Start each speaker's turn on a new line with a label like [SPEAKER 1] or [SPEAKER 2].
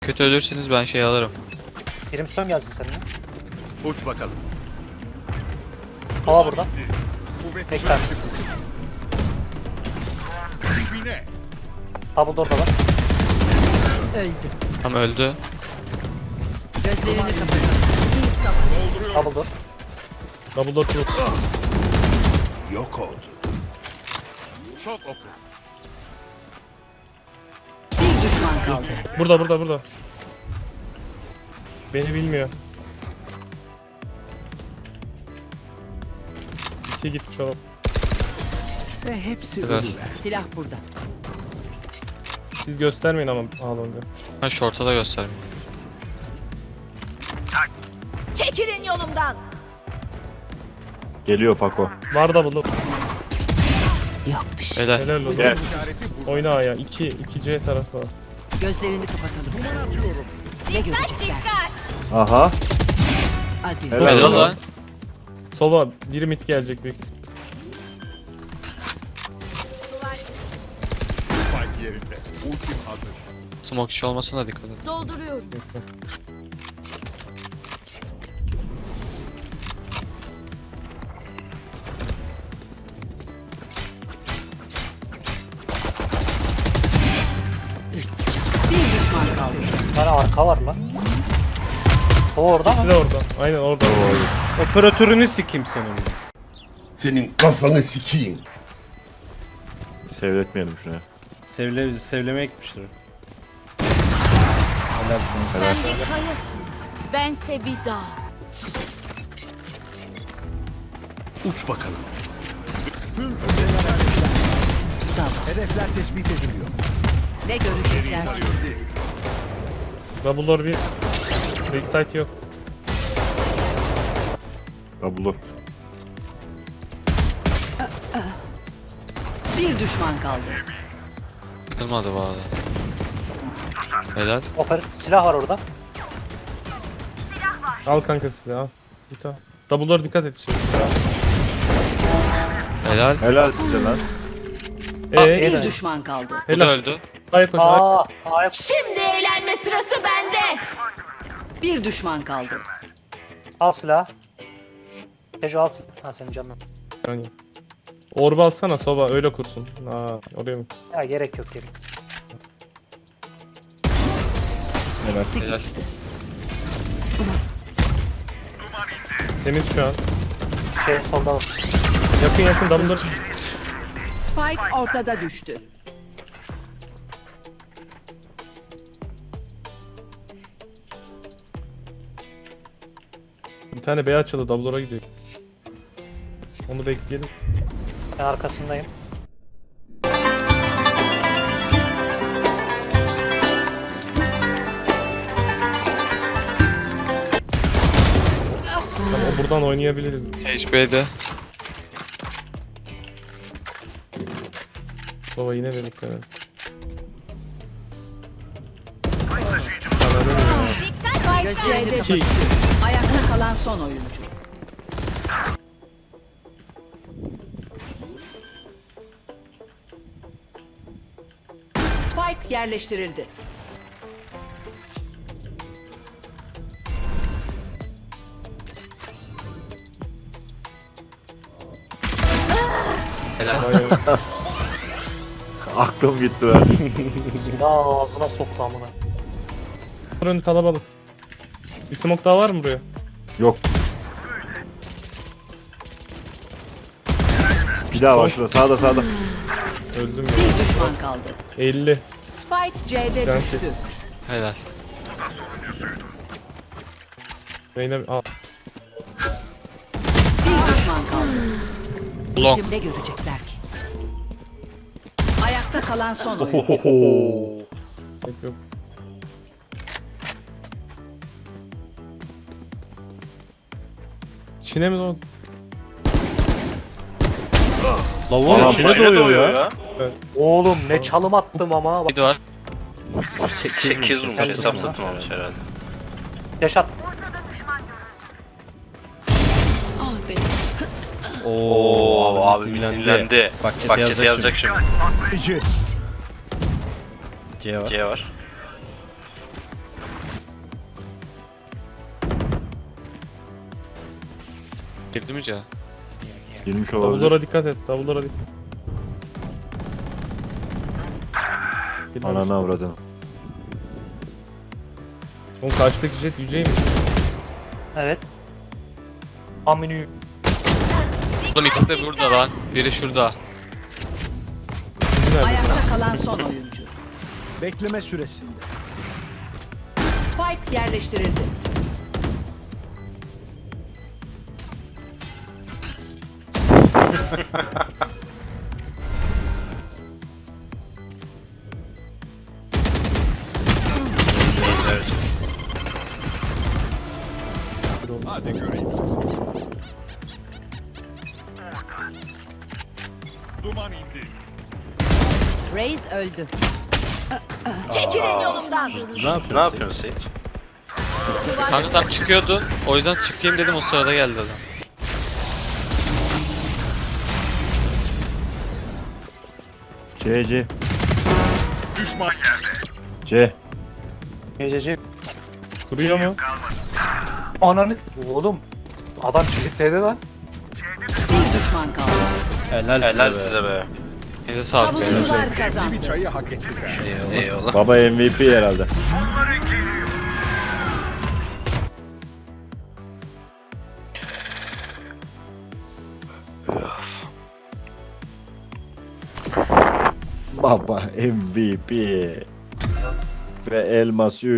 [SPEAKER 1] Kötü ölürseniz ben şey alırım.
[SPEAKER 2] Brimstone gelsin seninle.
[SPEAKER 3] Uç bakalım.
[SPEAKER 2] Hava burada.
[SPEAKER 3] Kuvvet
[SPEAKER 2] Bekler.
[SPEAKER 3] dibine.
[SPEAKER 2] Double door da var.
[SPEAKER 4] Öldü.
[SPEAKER 1] Tam öldü.
[SPEAKER 4] Gözlerini kapatalım.
[SPEAKER 2] Double door.
[SPEAKER 5] Double door close.
[SPEAKER 3] Yok oldu. Şok oku.
[SPEAKER 4] Bir düşman kaldı.
[SPEAKER 5] Burada. Beni bilmiyor. İki git çok.
[SPEAKER 3] Ve hepsi
[SPEAKER 1] Güzel.
[SPEAKER 4] Silah burada.
[SPEAKER 5] Siz göstermeyin ama ağlanınca.
[SPEAKER 1] Ben short'a da göstermeyeyim.
[SPEAKER 4] Çekilin yolumdan.
[SPEAKER 6] Geliyor Fako.
[SPEAKER 5] Var double door.
[SPEAKER 4] Yok bir şey.
[SPEAKER 1] Helal.
[SPEAKER 5] Helal olsun.
[SPEAKER 6] Gel.
[SPEAKER 3] işareti bu.
[SPEAKER 5] Oyna A'ya. 2C tarafı var.
[SPEAKER 4] Gözlerini kapatalım.
[SPEAKER 3] Atıyorum.
[SPEAKER 4] Ne görecekler?
[SPEAKER 6] Aha.
[SPEAKER 4] Hadi.
[SPEAKER 6] Helal.
[SPEAKER 1] Helal lan.
[SPEAKER 5] Sova biri mid gelecek büyük.
[SPEAKER 3] Spike yerinde. Ultim hazır.
[SPEAKER 1] Smoke işi olmasına dikkat et.
[SPEAKER 4] Dolduruyorum. Bir düşman kaldı.
[SPEAKER 2] Bir tane arka var lan. Sova orada
[SPEAKER 5] İkisi
[SPEAKER 2] mı?
[SPEAKER 5] de orada. Aynen orada.
[SPEAKER 7] Operatörünü sikeyim senin.
[SPEAKER 8] Senin kafanı sikeyim.
[SPEAKER 6] Seyretmeyelim şunu.
[SPEAKER 7] Sevlemeye gitmiştir.
[SPEAKER 9] Sen bir kayasın. Bense bir dağ.
[SPEAKER 3] Uç bakalım.
[SPEAKER 4] Sal.
[SPEAKER 3] Hedefler tespit ediliyor.
[SPEAKER 4] Ne görecekler?
[SPEAKER 5] Double door bir. Backside yok.
[SPEAKER 6] Double.
[SPEAKER 4] Bir düşman kaldı.
[SPEAKER 1] Kırmadı bu arada. Helal.
[SPEAKER 2] Silah var orada.
[SPEAKER 5] Al kanka sizi al. Git al. Double door dikkat et şimdi.
[SPEAKER 1] Helal.
[SPEAKER 6] Helal size lan.
[SPEAKER 4] Bir düşman kaldı.
[SPEAKER 1] Bu da
[SPEAKER 5] Helal.
[SPEAKER 1] öldü.
[SPEAKER 5] Aya koş. Aya.
[SPEAKER 2] A'ya
[SPEAKER 9] Şimdi eğlenme sırası bende.
[SPEAKER 4] Bir düşman kaldı.
[SPEAKER 2] al silah. Tejo al silah. Ha senin canın.
[SPEAKER 5] Yani. Orba alsana Sova öyle kursun. Aa oraya mı?
[SPEAKER 2] Ya gerek yok gerek.
[SPEAKER 1] Helal.
[SPEAKER 5] Temiz şu an.
[SPEAKER 2] Şey solda var.
[SPEAKER 5] Yakın double door.
[SPEAKER 4] Spike ortada düştü.
[SPEAKER 5] Bir tane B açıldı double door'a gidiyor. Onu bekleyelim.
[SPEAKER 2] Ben arkasındayım.
[SPEAKER 5] Tamam, o buradan oynayabiliriz.
[SPEAKER 1] Sage B'de.
[SPEAKER 5] Sova yine de dikkat et.
[SPEAKER 4] Gözlerini kapattı. Ayakta kalan son oyuncu. Spike yerleştirildi.
[SPEAKER 1] Helal.
[SPEAKER 6] Aklım gitti ben.
[SPEAKER 2] Silah ağzına soktu amına.
[SPEAKER 5] Önü kalabalık. Bir smoke daha var mı buraya?
[SPEAKER 6] Yok. Bir daha var şurada. Sağda.
[SPEAKER 5] Öldüm
[SPEAKER 4] Bir
[SPEAKER 5] ya.
[SPEAKER 4] düşman kaldı.
[SPEAKER 5] 50.
[SPEAKER 4] Spike C'de
[SPEAKER 5] Ben
[SPEAKER 4] düştü.
[SPEAKER 1] Helal.
[SPEAKER 5] Reyna al.
[SPEAKER 4] Bir düşman kaldı.
[SPEAKER 1] Long.
[SPEAKER 4] Ne görecekler ki? Ayakta kalan son oyuncu.
[SPEAKER 5] Yok yok. İçine mi doğdu?
[SPEAKER 7] Lavuğun
[SPEAKER 6] Adam
[SPEAKER 7] içine
[SPEAKER 6] içine
[SPEAKER 7] doyuyor ya.
[SPEAKER 2] Oğlum ne çalım attım ama. Bak,
[SPEAKER 1] Bir de var.
[SPEAKER 10] 8 vurmuş hesap satılmamış herhalde.
[SPEAKER 2] yaş at.
[SPEAKER 9] Ah be.
[SPEAKER 10] Oo abi sinirlendi.
[SPEAKER 7] Bak
[SPEAKER 10] Bak
[SPEAKER 7] chat'e
[SPEAKER 10] chat'e yazacak şimdi.
[SPEAKER 3] Patlayıcı.
[SPEAKER 7] C var.
[SPEAKER 10] C var.
[SPEAKER 1] Girdi mi ya?
[SPEAKER 6] Girmiş olabilir.
[SPEAKER 5] Davullara dikkat et. Davullara dikkat.
[SPEAKER 6] Ananı avradın.
[SPEAKER 5] Oğlum karşıdaki jet yüceymiş.
[SPEAKER 2] Evet. Aminü.
[SPEAKER 1] Oğlum ikisi de burada lan. Biri şurada.
[SPEAKER 5] Üçüncü nerede?
[SPEAKER 4] Ayakta kalan son oyuncu.
[SPEAKER 3] Bekleme süresinde.
[SPEAKER 4] Spike yerleştirildi.
[SPEAKER 3] Hadi göreyim. Duman indi.
[SPEAKER 4] Reis öldü.
[SPEAKER 9] Çekilin yolumdan.
[SPEAKER 10] Ne yapıyorsun Seyit?
[SPEAKER 1] Kanka tam çıkıyordun. O yüzden çıkayım dedim, o sırada geldi adam.
[SPEAKER 6] C.
[SPEAKER 3] Düşman yerde.
[SPEAKER 6] C.
[SPEAKER 2] Gececi.
[SPEAKER 5] Kuruyor mu?
[SPEAKER 2] Ananı. Oğlum. Adam çiftliğde lan.
[SPEAKER 4] Bir düşman kaldı.
[SPEAKER 10] Helal size be.
[SPEAKER 1] Neyse sağlık beyler.
[SPEAKER 4] Savunucular kazandı.
[SPEAKER 3] Bir çayı hak ettiler.
[SPEAKER 10] Eyvallah.
[SPEAKER 6] Baba MVP herhalde. Baba MVP. Ve elmas